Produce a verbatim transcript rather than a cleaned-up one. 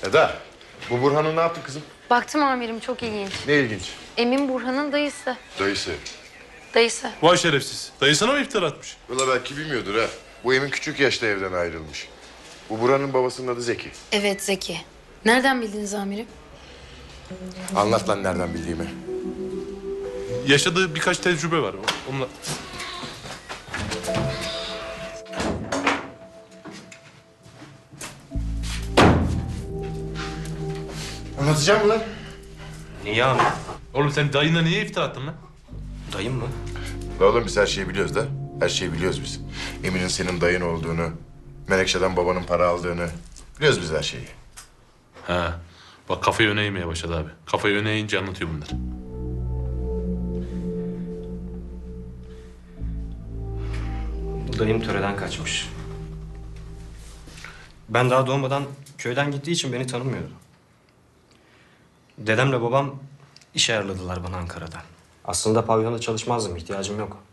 Eda, bu Burhan'ı ne yaptın kızım? Baktım amirim, çok ilginç. Ne ilginç. Emin Burhan'ın dayısı. Dayısı. Dayısı. Vay şerefsiz. Dayısına mı iftira atmış? Valla belki bilmiyordur ha. Bu Emin küçük yaşta evden ayrılmış. Bu Burhan'ın babasının adı Zeki. Evet, Zeki. Nereden bildiniz amirim? Anlat lan nereden bildiğimi. Yaşadığı birkaç tecrübe var. Onunla... Anlatacağım mı lan? Niye abi? Oğlum sen dayına niye iftira attın lan? Dayım mı? La oğlum biz her şeyi biliyoruz da. Her şeyi biliyoruz biz. Emin'in senin dayın olduğunu, Menekşe'den babanın para aldığını. Biliyoruz biz her şeyi. Ha. Bak kafayı öne eğmeye başladı abi. Kafayı öne eğince anlatıyor bunlar. Dayım töreden kaçmış. Ben daha doğmadan köyden gittiği için beni tanımıyordu. Dedemle babam iş ayarladılar bana Ankara'da. Aslında pavyonda çalışmazdım, ihtiyacım yok.